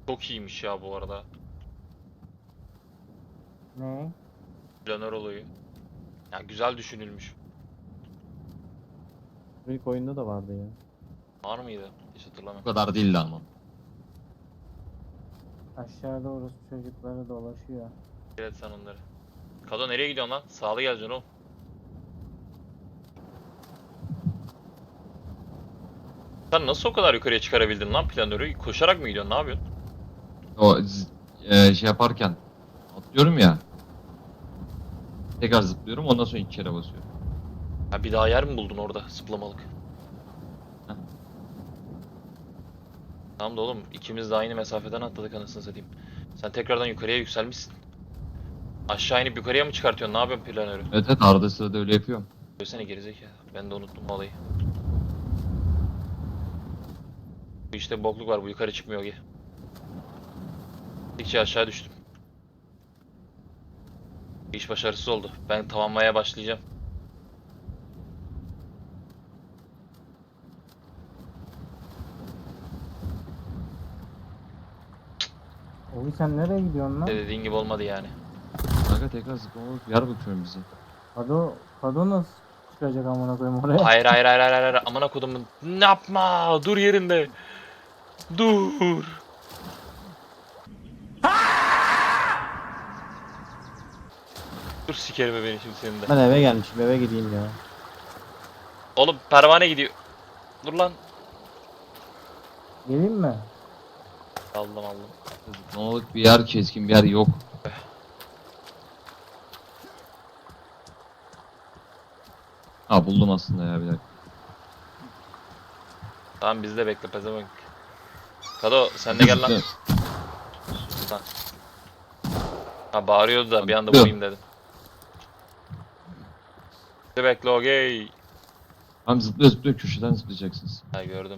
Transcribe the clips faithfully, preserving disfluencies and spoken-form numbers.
Çok iyiymiş ya bu arada. Ne? Planör olayı. Ya güzel düşünülmüş. İlk oyunda da vardı ya. Var mıydı? Hiç Bu hatırlamıyorum. kadar değildi ama. Aşağıda orası çocukları dolaşıyor. Evet sen onları. Kado nereye gidiyorsun lan? Sağlı geleceksin oğlum. Sen nasıl o kadar yukarıya çıkarabildin lan planörü? Koşarak mı gidiyorsun? Ne yapıyorsun? O z- e, şey yaparken atlıyorum ya. Tekrar zıplıyorum ondan sonra iki kere basıyorum. Ha bir daha yer mi buldun orada zıplamalık? Heh. Tamam da oğlum ikimiz de aynı mesafeden atladık anasını satayım. Sen tekrardan yukarıya yükselmişsin. Aşağı inip yukarıya mı çıkartıyorsun? Ne yapıyorsun planörü? Evet evet arada sırada öyle yapıyorum. Söylesene gerizekalı. Ben de unuttum bu olayı. Bu işte bir bokluk var. Bu yukarı çıkmıyor ki. Gittikçe aşağı düştüm. İş başarısız oldu. Ben tamamlamaya başlayacağım. Oğlum sen nereye gidiyorsun lan? Ne dediğin gibi olmadı yani. Kanka tekrar zıplamalık bir yer bakıyorum bize. Kado, Kado nasıl çıkacak amına koyayım oraya? Hayır hayır hayır hayır hayır. Amına kodumun. Ne yapma. Dur yerinde. Dur. Dur sikerim beni şimdi senin de. Ben eve gelmişim, eve gideyim ya. Oğlum pervane gidiyor. Dur lan. Geleyim mi? Aldım aldım. Zıplamalık bir yer, keskin bir yer yok. Ha buldum aslında ya bir dakika. Tamam biz de bekle pezevenk. Kado sen de gel lan. Lan. Ha bağırıyordu da bir anda vurayım dedim. Bir de bekle okey. Hem zıplıyor zıplıyor köşeden zıplayacaksınız. Ha gördüm.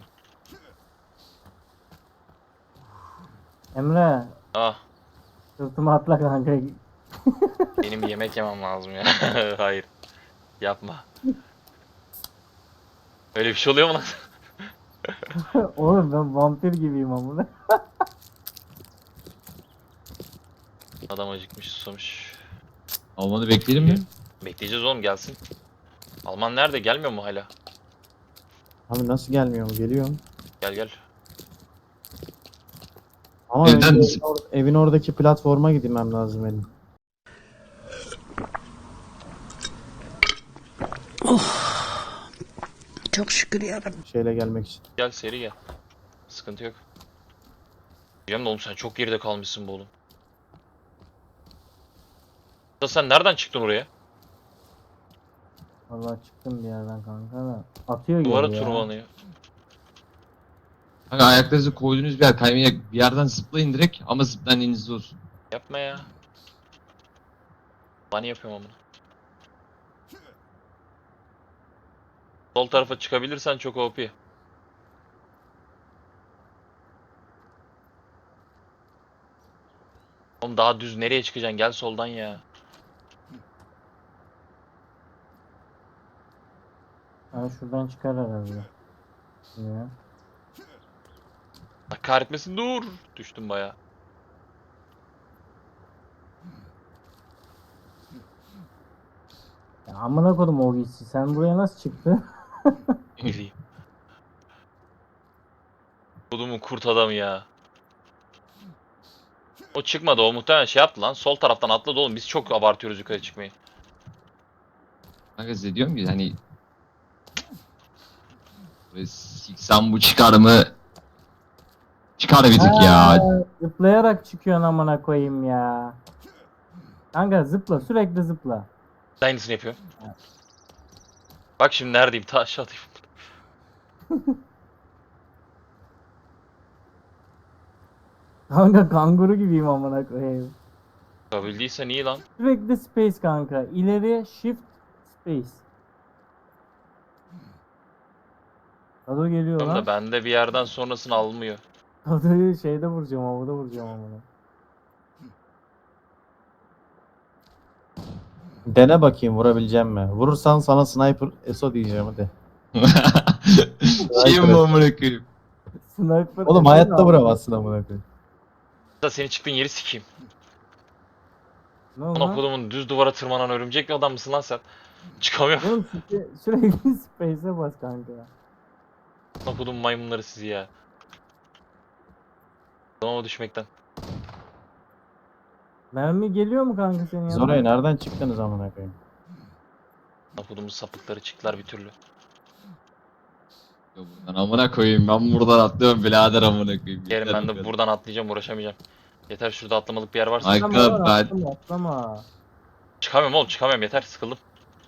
Emre, Ah sırtıma atla kanka. benim bir yemek yemem lazım ya. Hayır. Yapma. Öyle bir şey oluyor mu lan? Oğlum ben vampir gibiyim amına. Adam acıkmış susamış. Almanı bekleyelim mi? Bekleyeceğiz oğlum gelsin. Alman nerede? Gelmiyor mu hala? Abi nasıl gelmiyor mu? Geliyor. Gel gel. Ama Evden önce misin? evin, or- evin oradaki platforma gitmem lazım benim. Çok şükür yarabbim. Şeyle gelmek için. Gel seri gel. Sıkıntı yok. Diyeceğim de oğlum sen çok geride kalmışsın bu oğlum. Da sen nereden çıktın oraya? Vallahi çıktım bir yerden kanka da. Atıyor Duvara geri ya. tırmanıyor. Kanka ayaklarınızı koyduğunuz bir yer kaymayacak bir yerden zıplayın direkt ama zıplayan elinizde olsun. Yapma ya. Bani yapıyorum amına. Sol tarafa çıkabilirsen çok O P. Oğlum daha düz nereye çıkacaksın? Gel soldan ya. Ha şuradan çıkar herhalde. Ya. Allah kahretmesin dur. Düştüm baya. Ya amına kodum o gitsi. Sen buraya nasıl çıktın? Gireyim. Kodumun kurt adamı ya. O çıkmadı o muhtemelen şey yaptı lan. Sol taraftan atladı oğlum. Biz çok abartıyoruz yukarı çıkmayı. Kanka size diyorum ki hani ve siksen bu çıkar mı? Çıkar bir tık ya. Ha, zıplayarak çıkıyorsun amına koyayım ya. Kanka zıpla sürekli zıpla. Aynısını yapıyorum. Bak şimdi neredeyim? Ta aşağı atayım. Kanka kanguru gibiyim amına koyayım. Çıkabildiysen iyi lan. Sürekli space kanka. İleri shift space. Kado geliyor Tamam lan. da bende bir yerden sonrasını almıyor. Kado'yu şeyde vuracağım, havada vuracağım amına. Dene bakayım vurabileceğim mi? Vurursan sana sniper S O diyeceğim hadi. Şey mi amına koyayım? Sniper. Oğlum Efe hayatta mi vuramazsın amına koyayım. Da seni çıktığın yeri sikeyim. Ne oldu Ana lan? kodumun düz duvara tırmanan örümcek bir adam mısın lan sen? Çıkamıyorum. Oğlum sürekli, sürekli space'e bas kanka. Ana kodum maymunları sizi ya. Tamam düşmekten. Mermi geliyor mu kanka senin Siz yanına? oraya nereden çıktınız amına koyayım? Ana kodumun sapıkları çıktılar bir türlü. Ya buradan amına koyayım, ben buradan atlıyorum birader amına koyayım. Yerim Yeter ben bu de kadar. buradan atlayacağım uğraşamayacağım. Yeter şurada atlamalık bir yer varsa. Ay- Atlama lan, ben- atlama atlama. Çıkamıyorum oğlum çıkamıyorum yeter sıkıldım.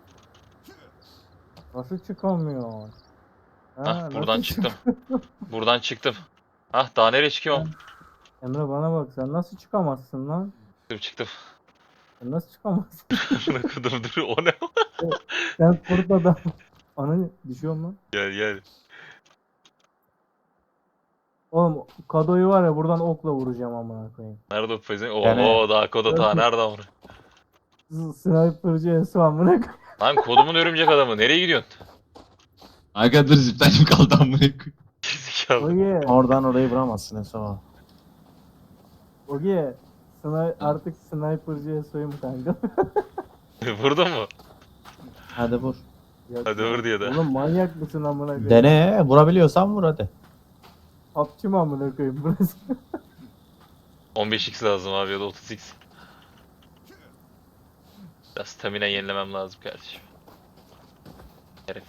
Nasıl çıkamıyor? Ha, Hah nasıl buradan çık- çıktım. Buradan çıktım. Hah daha nereye çıkıyorum? Emre bana bak, sen nasıl çıkamazsın lan? Çıktım çıktım. Sen nasıl çıkamazsın? Amına kodum dur o ne? Sen kurt adam. Ananı düşüyor mu? Gel gel. Oğlum kadoyu var ya, buradan okla vuracağım amına koyayım. Nerede o pezevenk? Oo Yani- daha koda ta nerede amına? Z- Sniper'cı Esu amına koyayım. Lan kodumun örümcek adamı nereye gidiyorsun? Aga dur, ziplenim kaldı amına koyayım. Gerizekalı. Oge, Oradan orayı vuramazsın Eso. Oge. Sni artık Sniper'cı Esu'yum kanka. Vurdun mu? Hadi vur. Yok Hadi ya. vur diye de. Oğlum manyak mısın amına koyayım? Dene. Vurabiliyorsan vur hadi. Hapçı mı amına koyayım burası? on beş x lazım abi ya da otuz x. Biraz stamina yenilemem lazım kardeşim. Herif.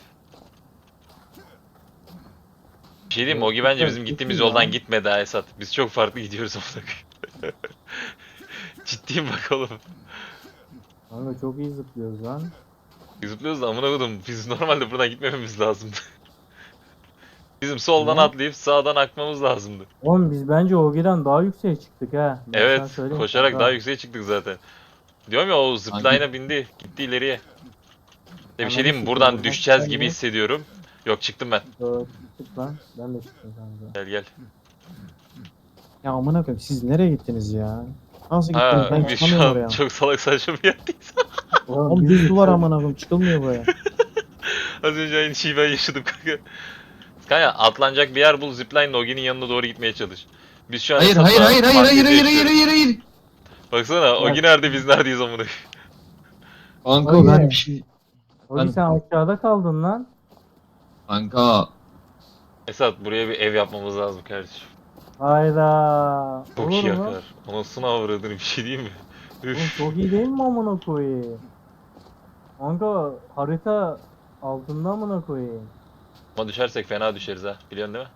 Bir şey diyeyim mi? Ogi bence bizim gittiğimiz yoldan gitmedi ha Esat. Biz çok farklı gidiyoruz amına koyayım. Ciddiyim bak oğlum. Kanka çok iyi zıplıyoruz lan. Zıplıyoruz da amına koydum. Biz normalde buradan gitmememiz lazımdı. Bizim soldan Ne? atlayıp sağdan akmamız lazımdı. Oğlum biz bence Ogi'den daha yükseğe çıktık ha. Ben sana Evet, söyleyeyim koşarak kanka. daha yükseğe çıktık zaten. Diyorum ya o zipline'a bindi, gitti ileriye. De bir Ananı şey diyeyim mi? sikeyim, Buradan buradan düşeceğiz çıkan gibi yok. hissediyorum. Yok çıktım ben. Doğru, çıktık lan. Ben de çıktım kanka. Gel gel. Ya amına koyayım siz nereye gittiniz ya? Nasıl gittiniz? Ha, Ben biz şu çıkamıyorum oraya. an çok salak saçma bir yerdeyiz. Oğlum biz- düz duvar amına koyayım çıkılmıyor buraya. Az önce aynı şeyi ben yaşadım kanka. Kanka atlanacak bir yer bul, zipline'la Ogi'nin yanına doğru gitmeye çalış. Biz şu an Hayır Esat'la hayır hayır hayır hayır fantezi hayır hayır yaşıyoruz. hayır hayır. Baksana Ogi nerede biz neredeyiz amına. Kanka Hayır. ben bir şey... Ogi Ben- sen aşağıda kaldın lan. Kanka Esat buraya bir ev yapmamız lazım kardeşim. Hayda. Çok Olur iyi mu? yakar. Anasını avradını bir şey diyeyim mi? Oğlum Üf. çok iyi değil mi amına koyayım? Kanka harita altında amına koyayım. Ama düşersek fena düşeriz ha. Biliyorsun değil mi?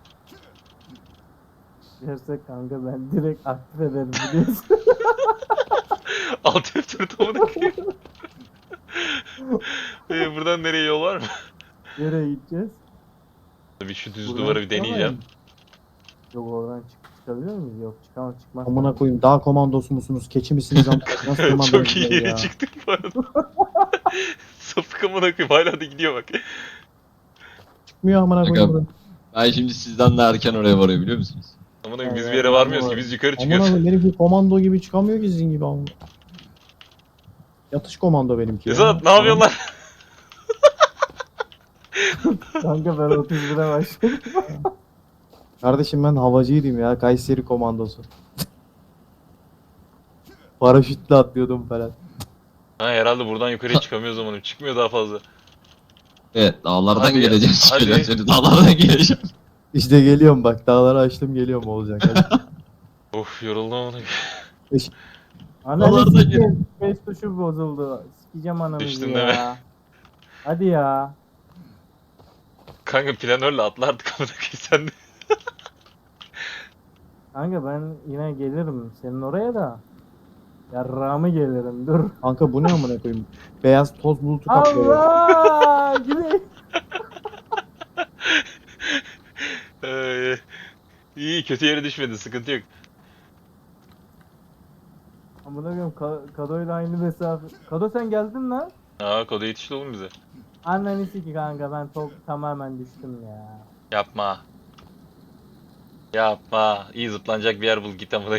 Dersek kanka ben direkt aktif ederim biliyorsun. Alt F dört amına koyayım. Ee, buradan nereye yol var mı? Nereye gideceğiz? Bir şu düz Buradan duvarı bir çıkamayız. deneyeceğim. Yok oradan çık çıkabiliyor muyuz? Yok çıkamaz çıkmaz. Amına koyayım dağ komandosu musunuz? Keçi misiniz amına koyayım? Nasıl komando Çok iyi yere ya? çıktık bu arada. Sapık amına koyayım hala da gidiyor bak. Çıkmıyor amına koyayım Aga, buraya. ben şimdi sizden daha erken oraya varıyor biliyor musunuz? Amına koyayım biz Evet, bir yere varmıyoruz ki doğru. biz yukarı Amına çıkıyoruz. koyayım benimki komando gibi çıkamıyor ki sizin gibi amına. Yatış komando benimki ya. Esat ne yapıyorsun lan? Kanka ben otuz bire başladım. Kardeşim ben havacıydım ya. Kayseri komandosu. Paraşütle atlıyordum falan. Ha herhalde buradan yukarıya çıkamıyoruz amına. Çıkmıyor daha fazla. Evet, dağlardan Hadi, geleceğim. hadi. Hadi. Seni dağlardan geleceğim. İşte geliyorum bak. Dağları açtım geliyorum olacak. Hadi. Of yoruldum amına. Ananı Dolarda sikeyim. Space tuşu bozuldu. Sikeceğim ananızı Düştün ya. değil mi? Hadi ya. Kanka planörle atlardık amına koyayım sen de. Kanka ben yine gelirim senin oraya da. Yarrağımı gelirim dur. Kanka bu ne amına koyayım? Beyaz toz bulutu kaplıyor. Allah! Güney. Ee, iyi kötü yere düşmedin sıkıntı yok. Amına koyayım Ka- Kado'yla aynı mesafe. Kado sen geldin lan. Aa koda yetişti oğlum bize. Anneni siki kanka ben top tamamen düştüm ya. Yapma. Yapma. İyi zıplanacak bir yer bul git amına.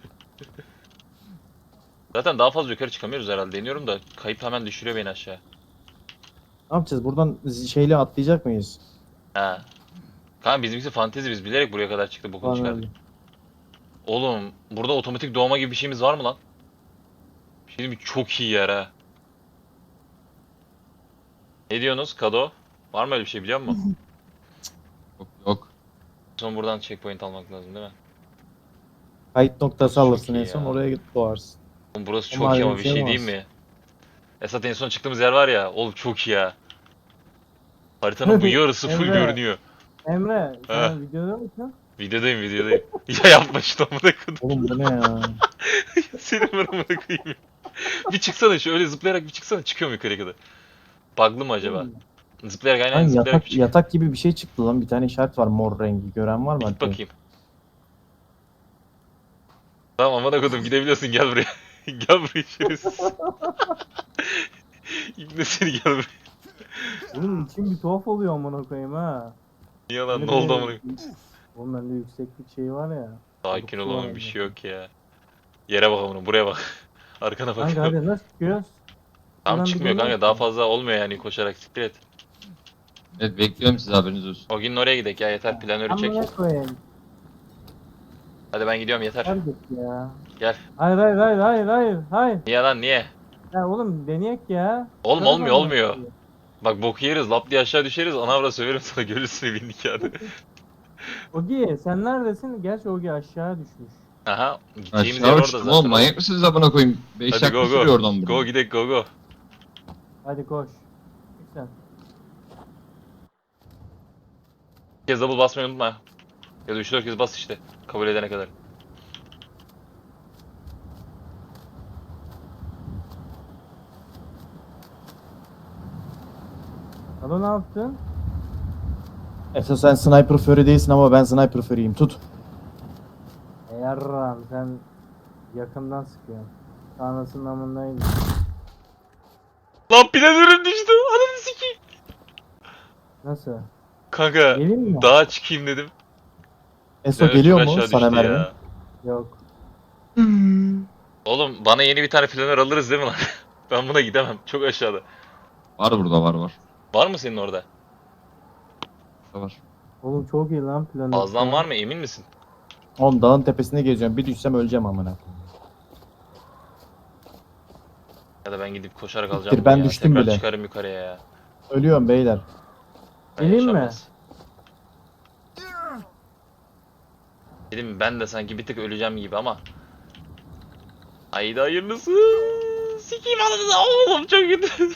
Zaten daha fazla yukarı çıkamıyoruz herhalde. Deniyorum da kayıp hemen düşürüyor beni aşağı. Ne yapacağız? Buradan z- şeyle atlayacak mıyız? Ha. Kanka bizimkisi fantezi biz bilerek buraya kadar çıktık bokunu çıkardık. Anladım. Oğlum burada otomatik doğma gibi bir şeyimiz var mı lan? Bir şey diyeyim mi? Çok iyi yer ha. Ne diyorsunuz Kado? Var mı öyle bir şey biliyor musun? Yok yok. Son buradan checkpoint almak lazım değil mi? Kayıt noktası Çok alırsın iyi en son ya. oraya gidip doğarsın. Oğlum burası Ama çok iyi ayrı ama bir bir şey şey olmaz. diyeyim mi? Esat en son çıktığımız yer var ya. Oğlum çok iyi ya. Haritanın bu yarısı full Emre. görünüyor. Emre Ha. sen videoda mısın? Videodayım videodayım. Ya yapma şunu amına koyayım. Oğlum bu ne ya? Senin ben amına koyayım. Bir çıksana şu öyle zıplayarak bir çıksana çıkıyor mu yukarıya kadar? Bug'lı mı acaba? Zıplayarak aynen Lan zıplayarak bir yatak, çık. yatak gibi bir şey çıktı lan. Bir tane işaret var mor rengi. Gören var mı? Git Hadi. bakayım. Tamam amına koydum gidebiliyorsun gel buraya. Gel buraya şerefsiz. İbne seni gel buraya. Oğlum içim bir tuhaf oluyor amına koyayım ha. Niye lan Bende ne oldu bir- amına koyayım? Oğlum bende yükseklik şeyi var ya. Sakin ol Korkusu var oğlum bir bende. şey yok ya. Yere bak amına buraya bak. Arkana bak. Kanka hadi nasıl çıkıyoruz? Tam Buradan bir çıkmıyor dönüyor kanka daha musun? fazla olmuyor yani koşarak siktir et. Evet bekliyorum size haberiniz olsun. O gün oraya gidelim ya yeter planörü çek. Amına koyayım. Hadi ben gidiyorum yeter. Hadi git ya. Gel. Hayır hayır hayır hayır hayır hayır. Niye lan niye? Ya oğlum deneyek ya. Oğlum Sana olmuyor bak. olmuyor. Bak boku yeriz lap diye aşağı düşeriz anavra söverim sana görürsün evin nikahını. Ogi sen neredesin? Gerçi Ogi aşağı düşmüş. Aha gideceğimiz yer Aşağı orada uçtum zaten. oğlum manyak mısınız amına koyayım? beş Hadi dakika go sürüyor go. oradan buraya. Go gidek go go. Hadi koş. Çık sen. Bir kez double basmayı unutma. Ya da üç dört kez bas işte. Kabul edene kadar. Alo ne yaptın? Esas sen sniper fury değilsin ama ben sniper fury'yim. Tut. E yarram sen yakından sıkıyorsun. Anasının amındaydı. Lan planörüm düştü. Ananı sikeyim. Nasıl? Kanka Gelin mi? dağa çıkayım dedim. Eso Planör geliyor çok mu aşağı sana düştü mermi? ya. Yok. Oğlum bana yeni bir tane planör alırız değil mi lan? Ben buna gidemem. Çok aşağıda. Var burada var var. Var mı senin orada? Burada var. Oğlum çok iyi lan planı. Fazlan var mı emin misin? Oğlum dağın tepesinde geziyorum. Bir düşsem öleceğim amına. Ya da ben gidip koşarak Siktir, alacağım. ben bunu ya. düştüm Tekrar bile. çıkarım yukarıya ya. Ölüyorum beyler. Ben Geleyim mi? yaşanmaz. Dedim ben de sanki bir tık öleceğim gibi ama. Haydi hayırlısı. Sikeyim ananı da oğlum çok kötü.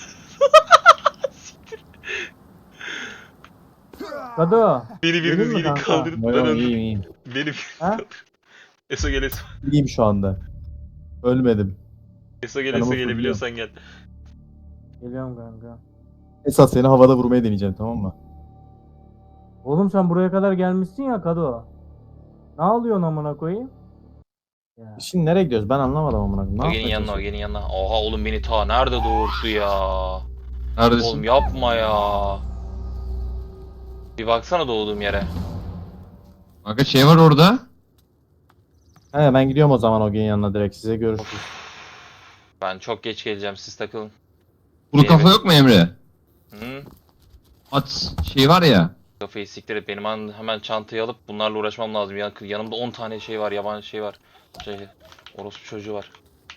Kado. Beni Gelin biriniz mi gelin kanka? kaldırın. Ben Yo, öldüm. iyiyim iyiyim. Beni Ha? Eso gel Eso. İyiyim şu anda. Ölmedim. Eso gel Ben Eso ama gelebiliyorsan gel. Geliyorum kanka. Esas seni havada vurmaya deneyeceğim tamam mı? Oğlum sen buraya kadar gelmişsin ya Kado. Ne alıyorsun amına koyayım? Ya. Şimdi nereye gidiyoruz? Ben anlamadım amına. koyayım. Ne O gelin yapmaya yanına o çalışıyorsun? gelin yanına. Oha oğlum beni ta nerede doğurdu ya. Neredesin? Oğlum yapma ya. Bir baksana doğduğum yere. Kanka şey var orada. He ben gidiyorum o zaman o gen yanına direkt. Size görüşürüz. Ben çok geç geleceğim siz takılın. Kuru kafa Evet. yok mu Emre? Hı? At şey var ya. Kafayı siktir et. Benim an hemen çantayı alıp bunlarla uğraşmam lazım. Ya, yanımda on tane şey var, yabancı şey var. Şey, orospu çocuğu var.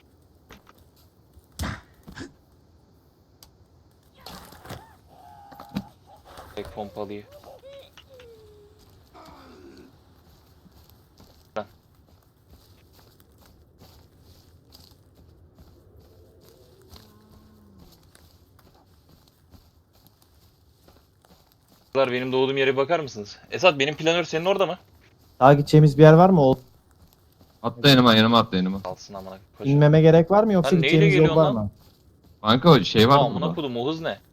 Tek pompalıyı. Lan. Kızlar, benim doğduğum yere bakar mısınız? Esat benim planör senin orada mı? Daha gideceğimiz bir yer var mı? O Atla yanıma yanıma atla yanıma. Alsın amına koş. inmeme gerek var mı yoksa Sen neyle gideceğimiz yol var geliyorsun mı? Kanka o şey var Aa, mı amına burada? kodum o hız ne?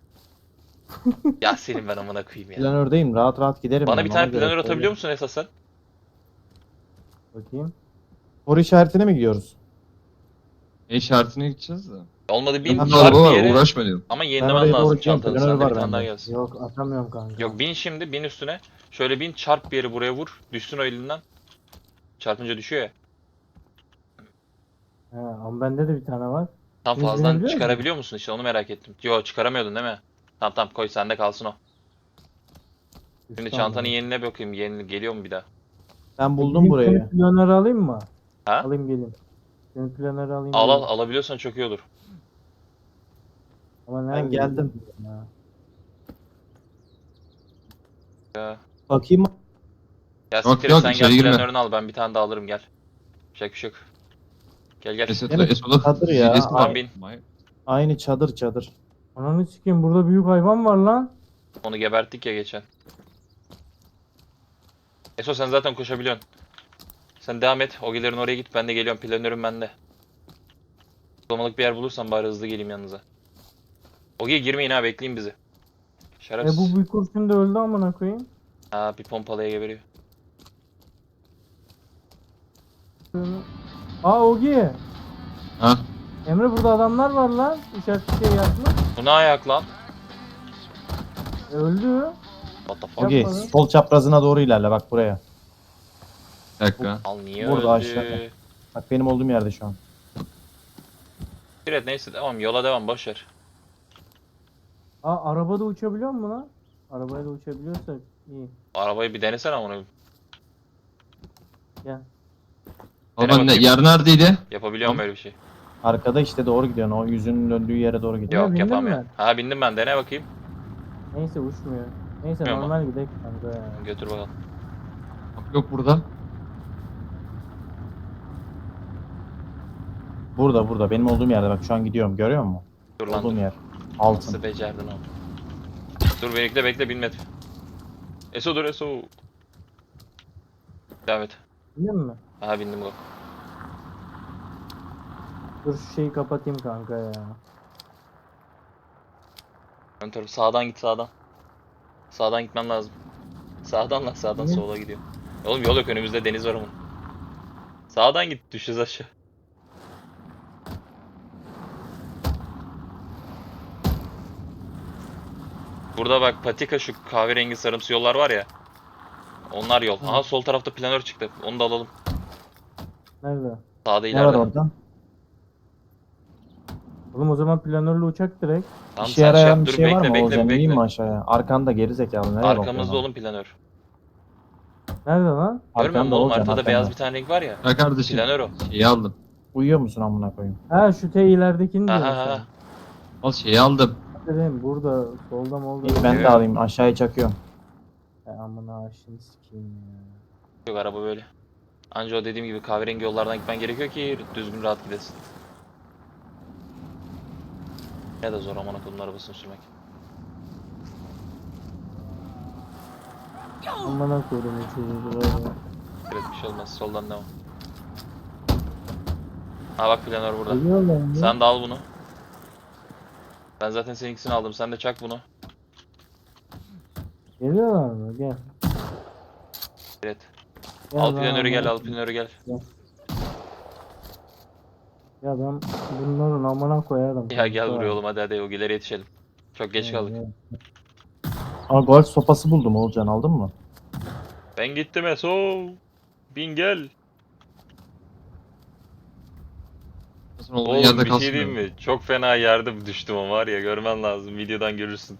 Ya senin ben amına koyayım ya. Planördeyim. Rahat rahat giderim. Bana ben, bir ona tane göre planör söyleyeyim. atabiliyor musun Esat sen? Bakayım. Soru işaretine mi gidiyoruz? E işaretine gideceğiz de. Olmadı bin Ben Bir de çarp araba bir var yere uğraşma diyorum. ama Ben yenilemen oraya doğru lazım gideceğim. çantanı. Planör Sende var bir tane daha bende. gelsin. Yok atamıyorum kanka. Yok bin şimdi bin üstüne. Şöyle bin çarp bir yeri buraya vur. Düşsün o elinden. Çarpınca düşüyor ya. He, ama bende de bir tane var. Tam Biz fazladan binebiliyor çıkarabiliyor musun işte onu merak ettim. Yo çıkaramıyordun değil mi? Tamam tamam koy sende kalsın o. Şimdi Üstten çantanı var. yenile bakayım. Yeni geliyor mu bir daha? Ben buldum Gideyim burayı. Senin planörü alayım mı? Ha? Alayım gelin. Senin planörü alayım. Al al gelin. alabiliyorsan çok iyi olur. Ama Ben nerede geldim. ya? Ya, Bakayım. ya Yok, siktir et, yok, sen içeri gel girme. planörünü al, ben bir tane daha alırım, gel. Yapacak bir şey yok. Gel gel. Esat Yine Esat'a çadır ya. Esat'a- Tamam, bin. Aynı çadır çadır. Ananı sikeyim, burada büyük hayvan var lan. Onu geberttik ya geçen. Eso sen zaten koşabiliyorsun. Sen devam et. Ogilerin oraya git. Ben de geliyorum. Planörüm bende. Sulamalık bir yer bulursan bari hızlı geleyim yanınıza. Ogi'ye girmeyin ha. Bekleyin bizi. E Şerefsiz. bu bir kurşun da öldü amına koyayım. Ha, bir pompalıya geberiyor. Aa Ogi. Ha? Emre burada adamlar var lan. İşaretli şey yapma. Bu ne ayak lan? E, öldü. What the fuck? Ogi Yapma lan. sol çaprazına doğru ilerle bak buraya. Bir dakika. Al niye Burada öldü? aşağıda. Bak benim olduğum yerde şu an. Evet neyse devam. Yola devam. Boşver. Aa arabada uçabiliyor mu lan? Arabayla uçabiliyorsak iyi. Arabayı bir denesene onu. Gel. Ama Dene ne, bakayım. yer neredeydi? Yapabiliyor muyum Tamam. böyle bir şey? Arkada işte doğru gidiyorsun. O yüzünün döndüğü yere doğru gidiyor. Yok bindin yapamıyorum. mi? Ha bindim ben. Dene bakayım. Neyse uçmuyor. Neyse Uçmuyor mu? normal gidelim kanka ya. Götür bakalım. Bak, yok burada. Burada burada benim olduğum yerde bak şu an gidiyorum görüyor musun? Dur lan Olduğum dur. yer. Altın. Nasıl becerdin onu? Dur bekle bekle binme. Eso dur Eso. Devam et. Bindin mi? Aha bindim bak. Dur şu şeyi kapatayım kanka ya. Ön taraf sağdan git sağdan. Sağdan gitmen lazım. Sağdan lan sağdan Niye? sola gidiyor. Oğlum yol yok, önümüzde deniz var ama. Sağdan git, düşeceğiz aşağı. Burada bak patika, şu kahverengi sarımsı yollar var ya. Onlar yol. Aha sol tarafta planör çıktı. Onu da alalım. Nerede? Sağda Ne var ileride. orada? Oğlum o zaman planörlü uçak direkt. Tamam İşe sen şey yarayan yap, bir dur şey var bekle mı bekle Oğuzhan? İneyim mi bekle. aşağıya? Arkanda gerizekalı nereye Arkamızda bakıyorsun? oğlum planör. Nerede lan? Görmüyor musun Arkanda oğlum, Oğuzhan haritada arkanda. beyaz bir tane renk var ya. Ha kardeşim. Planör o. Şeyi aldım. Uyuyor musun amına koyayım? Ha şu T ileridekini Ha diyorsun ha sen. ha. Al şeyi aldım. Dedim burada solda molda. İyi ben Evet. de alayım aşağıya çakıyorum. E, amına aşını sikeyim ya. Yok araba böyle. Anca o dediğim gibi kahverengi yollardan gitmen gerekiyor ki düzgün rahat gidesin. Ne de zor aman akıllının arabasını sürmek. Amına koydum çocuğu böyle. Evet bir şey olmaz, soldan devam. Ha bak planör burada. Geliyorlar mı? Sen de al bunu. Ben zaten seninkisini aldım, sen de çak bunu. Geliyorlar mı? Gel. Evet. Gel Al lan, planörü gel, amına al planörü gel. Ya ben bunların amına koyarım. Ya gel kanka. buraya oğlum, hadi hadi Ogiler'e yetişelim. Çok geç Gel, kaldık. gel. Aa golf sopası buldum Oğuzhan aldın mı? Ben gittim Eso. Bin gel. Nasıl olduğun Oğlum yerde bir kalsın. şey diyeyim mi? Çok fena yerde düştüm ama var ya, görmen lazım, videodan görürsün.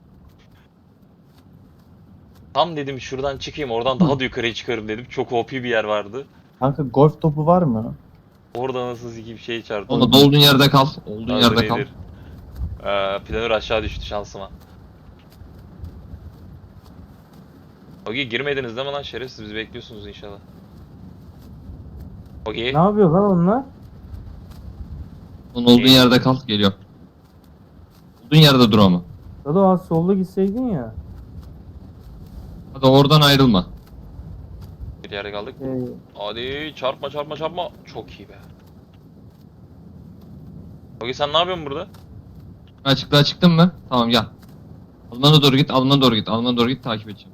Tam dedim şuradan çıkayım, oradan daha da yukarıya çıkarım dedim. Çok O P bir yer vardı. Kanka golf topu var mı? Orada nasıl bir şey çarptı. Onda da olduğun yerde kal. Olduğun Hazır yerde kal. iyidir. Ee, planör aşağı düştü şansıma. Ogi girmediniz değil mi lan şerefsiz, bizi bekliyorsunuz inşallah. Ogi. Ne yapıyor lan onlar? Onun olduğun İyi. yerde kal. Geliyor. Olduğun yerde dur ama. Dado az solda gitseydin ya. Hadi oradan ayrılma. Bir yere kaldık. Ee, Hadi çarpma çarpma çarpma. Çok iyi be. Ogi sen ne yapıyorsun burada? Açıklığa çıktın mı? Tamam gel. Almana doğru git, Almana doğru git, Almana doğru git, takip edeceğim.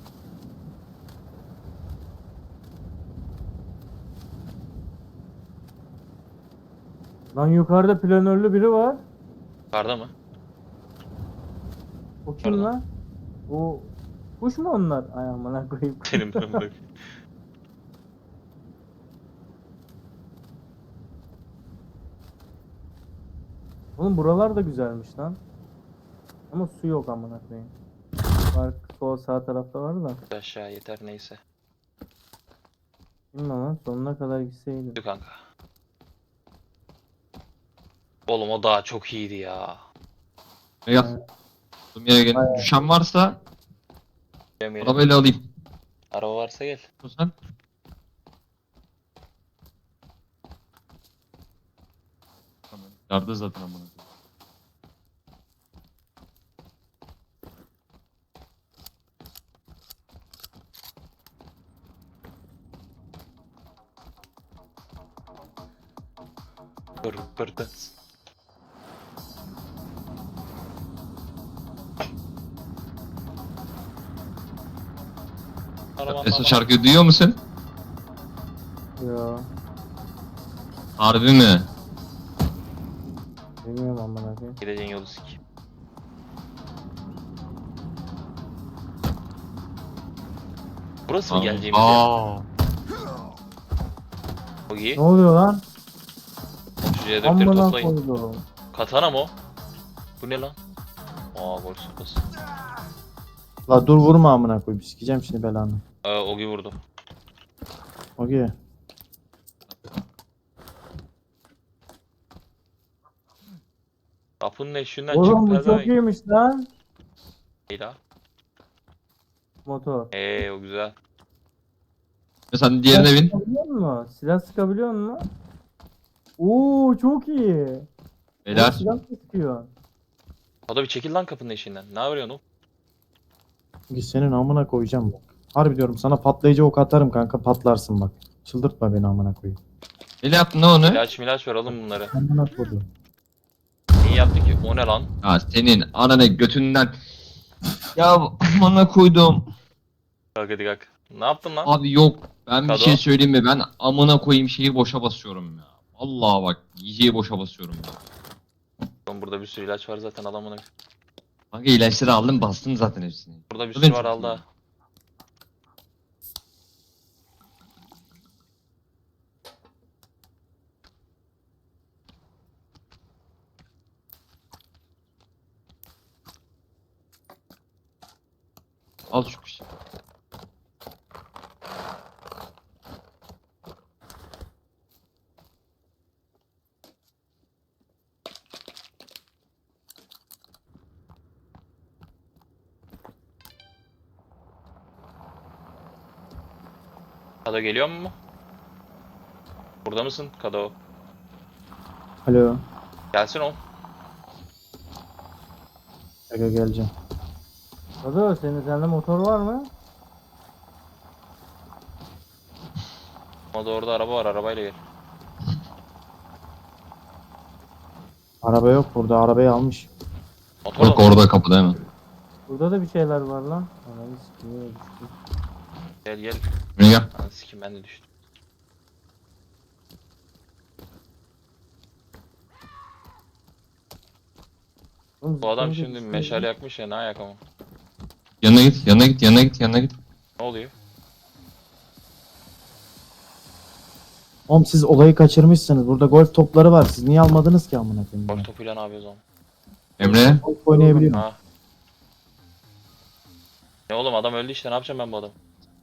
lan yukarıda planörlü biri var. Yukarıda mı? O kim Pardon. lan? O kuş mu onlar? Ay amına koyayım. Benim ben bak. Oğlum buralar da güzelmiş lan. Ama su yok amına koyayım. Var sol sağ tarafta var da. Aşağı yeter neyse. Bilmem lan sonuna kadar gitseydim. Dur kanka. Oğlum o daha çok iyiydi ya. Gel. Olduğum yere gelin. Düşen varsa Demeyelim. arabayla alayım. Araba varsa gel. Sen? Tamam. Yardı zaten amına. Pır pırtı. Arabanın Esra ama- şarkıyı duyuyor musun? Yo. Harbi mi? Bilmiyorum amına koyayım. Gideceğin yolu sik. Burası mı geleceğimiz yer? Aa. O iyi. Ne oluyor lan? Şu C dörtleri Amına toplayın. koydum. Katana mı o? Bu ne lan? Aa golf sopası. La dur vurma amına koyayım. Sikeceğim şimdi belanı. Ee, Ogi vurdu. Okey. Kapının eşiğinden Oğlum çık bu çok pezevenk. iyiymiş lan. İyi la. Motor. Eee o güzel. Sen diğerine bin. Sıkabiliyor musun? Silah sıkabiliyor musun? Oo çok iyi. Oğlum Beyler. silah mı sıkıyor? O da bir çekil lan kapının eşiğinden. Ne yapıyorsun oğlum? Git senin amına koyacağım bak. Harbi diyorum sana patlayıcı ok atarım kanka patlarsın bak. Çıldırtma beni amına koyayım. Öyle yaptın ne onu? İlaç milaç ver alın bunları. Amına koydum. Niye yaptı ki? O ne lan? Ya senin ananı götünden. Ya amına koydum. Kalk hadi kalk. Ne yaptın lan? Abi yok. Ben bir Kado. şey söyleyeyim mi? Ben amına koyayım şeyi boşa basıyorum ya. Vallahi bak yiyeceği boşa basıyorum ya. Oğlum burada bir sürü ilaç var zaten adamın. Kanka ilaçları aldım bastım zaten hepsini. Burada bir Bu sürü benim var çok aldı. ha. Al şu şey. Kado geliyor mu? Burada mısın Kado? Alo. Gelsin o. Aga geleceğim. Ado senin sende motor var mı? O da orada araba var arabayla gel. Araba yok burada arabayı almış. Motor Yok da mı? orada kapıda hemen. Burada da bir şeyler var lan. Ananı sikeyim düştü. Gel gel. Buraya gel. Lan sikim ben de düştüm. Oğlum Bu adam zıplayınca şimdi düştü. meşale yakmış ya ne ayak ama. Yanına git, yanına git, yanına git, yanına git. Ne oluyor? Oğlum siz olayı kaçırmışsınız. Burada golf topları var. Siz niye almadınız ki amına koyayım? Golf topuyla ne yapıyoruz oğlum? Emre. Golf oynayabiliyor. Ha. Ne oğlum adam öldü işte ne yapacağım ben bu adam?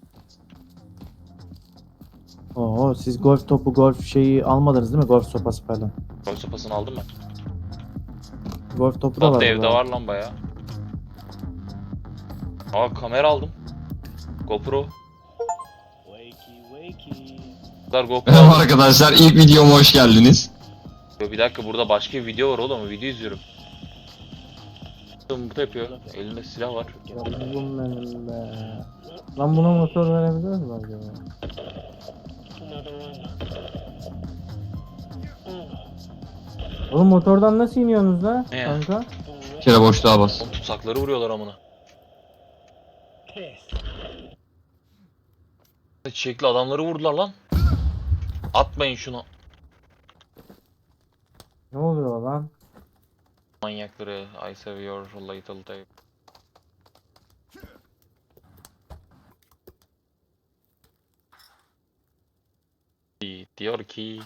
Oo siz golf topu, golf şeyi almadınız değil mi? Golf sopası falan. Golf sopasını aldım ben. Golf topu da Top var. da evde burada. var lan baya. Aa kamera aldım. GoPro. Bunlar GoPro Merhaba aldım. arkadaşlar, ilk videoma hoş geldiniz. Yo, bir dakika burada başka bir video var oğlum video izliyorum. Burada yapıyor. Elinde silah var. Yavrum benim be. Lan buna motor verebilir mi acaba? Oğlum motordan nasıl iniyorsunuz la Ne ya? kanka? Bir kere boşluğa bas. Oğlum tutsakları vuruyorlar amına. Çiçekli adamları vurdular lan. Atmayın şunu. Ne oluyor lan? Manyakları. I save your little tape. Diyor ki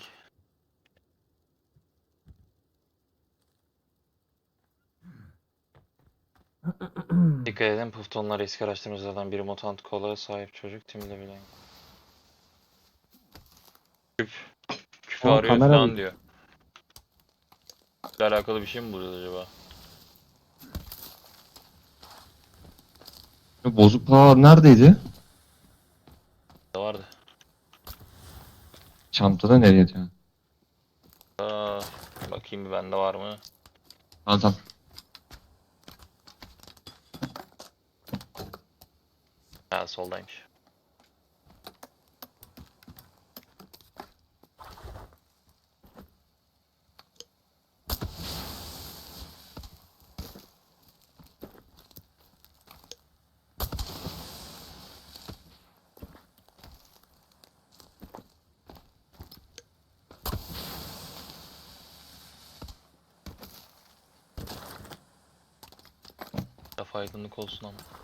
dikkat edin puftonlar eski araştırmacılardan biri mutant kola sahip çocuk timde bile. Küp. Küpü Oğlum, arıyor kamera falan bir- diyor. Ile alakalı bir şey mi buluyoruz acaba? Bozuk para neredeydi? Ne vardı? Çantada nereye atıyor? Aa, bakayım bir bende var mı? Tamam tamam. Ha, soldaymış. Kafa aydınlık olsun ama.